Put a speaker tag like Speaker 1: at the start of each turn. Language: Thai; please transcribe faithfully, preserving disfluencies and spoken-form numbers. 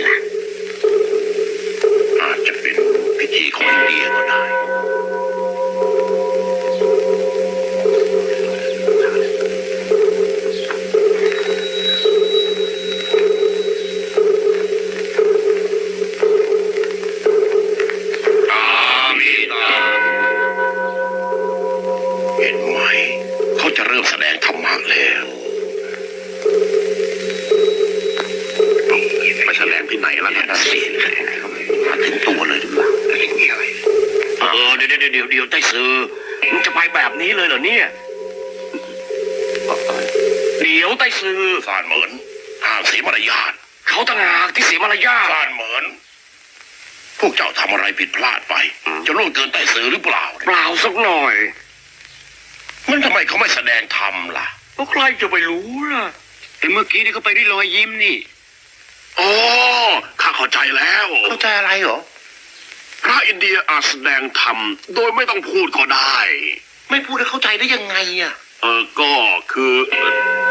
Speaker 1: ล่ะอาจจะเป็นพิธีของอินเดียก็ได้เห็นไหมเขาจะเริ่มแสดงธรรมะแล้วไปแสดงที่ไหนแล้วเนี่ยเสียมาถึงตัวเลยหรือเปล่ามีอะไรเออเดี๋ยวเดี๋ยวเดี๋ยวเดี๋ยวไต้ซือมึงจะไปแบบนี้เลยเหรอเนี่ยเดี๋ยวไต้ซือสารเหมือนห้ามเสียมารยาทเขาต่างหากที่เสียมารยาทสารเหมือนพวกเจ้าทำอะไรผิดพลาดไปจะล่วงเกินไต้ซือหรือเปล่าเปล่าสักหน่อยมันทำไมเขาไม่แสดงธรรมล่ะก็ใครจะไปรู้ล่ะแต่เมื่อกี้นี่เขาไปด้วยรอยยิ้มนี่อ๋อข้าเข้าใจแล้วเข้าใจอะไรเหรอพระอินเดียอาจแสดงธรรมโดยไม่ต้องพูดก็ได้ไม่พูดแล้วเข้าใจได้ยังไงอ่ะเออก็คือ